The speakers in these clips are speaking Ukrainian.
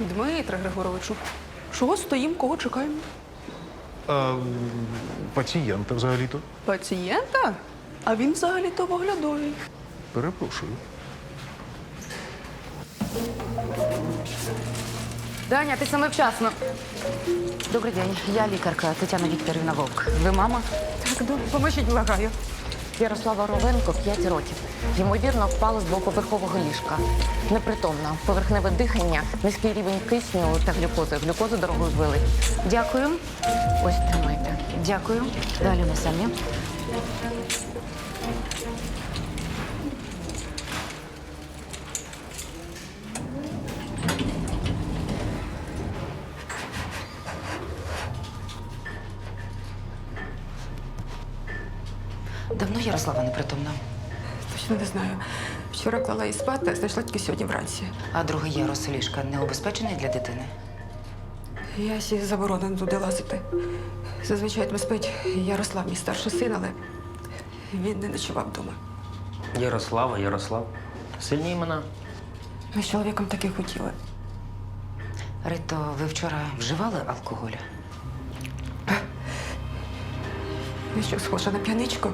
Дмитре Григоровичу, чого стоїмо, кого чекаємо? Пацієнта взагалі-то. Пацієнта? А він взагалі-то в оглядовій. Перепрошую. Даня, ти саме вчасно. Добрий день, я лікарка Тетяна Вікторівна Вовк. Ви мама? Так, допоможіть, благаю. Ярослава Ровенко, 5 років. Ймовірно, впала з двоповерхового ліжка. Непритомна, поверхневе дихання, низький рівень кисню та глюкози. Глюкозу дорогою ввели. Дякую. Ось, тримайте. Дякую. Далі ми самі. Давно Ярослава непритомна? Точно не знаю. Вчора клала її спати, а знайшла тільки сьогодні вранці. А другий ярус ліжка не обезпечений для дитини? Я сі заборонено туди лазити. Зазвичай там спить Ярослав, мій старший син, але він не ночував вдома. Ярослав. Сильні імена. Ми з чоловіком таки хотіли. Рито, ви вчора вживали алкоголь? Я що, схожа на п'яничку?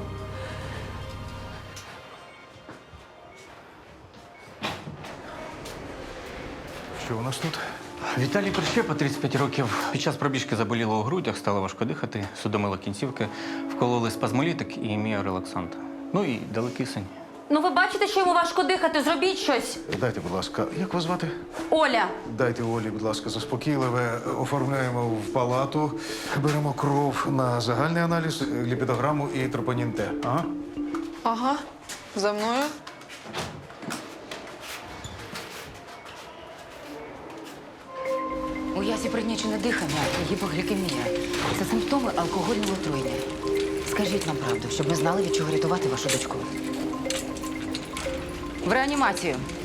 Що у нас тут? Віталій Прищепа, 35 років. Під час пробіжки заболіло у грудях, стало важко дихати, судомило кінцівки, вкололи спазмолітик і міорелаксант. Ну і дали кисень. Ну, ви бачите, що йому важко дихати. Зробіть щось. Дайте, будь ласка, як вас звати? Оля. Дайте Олі, будь ласка, заспокійливе. Оформляємо в палату, беремо кров на загальний аналіз, ліпідограму і тропонін Т. Ага. Ага, за мною. У Ясі пригнічене дихання і гіпоглікемія. Це симптоми алкогольного отруєння. Скажіть нам правду, щоб ми знали, від чого рятувати вашу дочку. В реанімацію.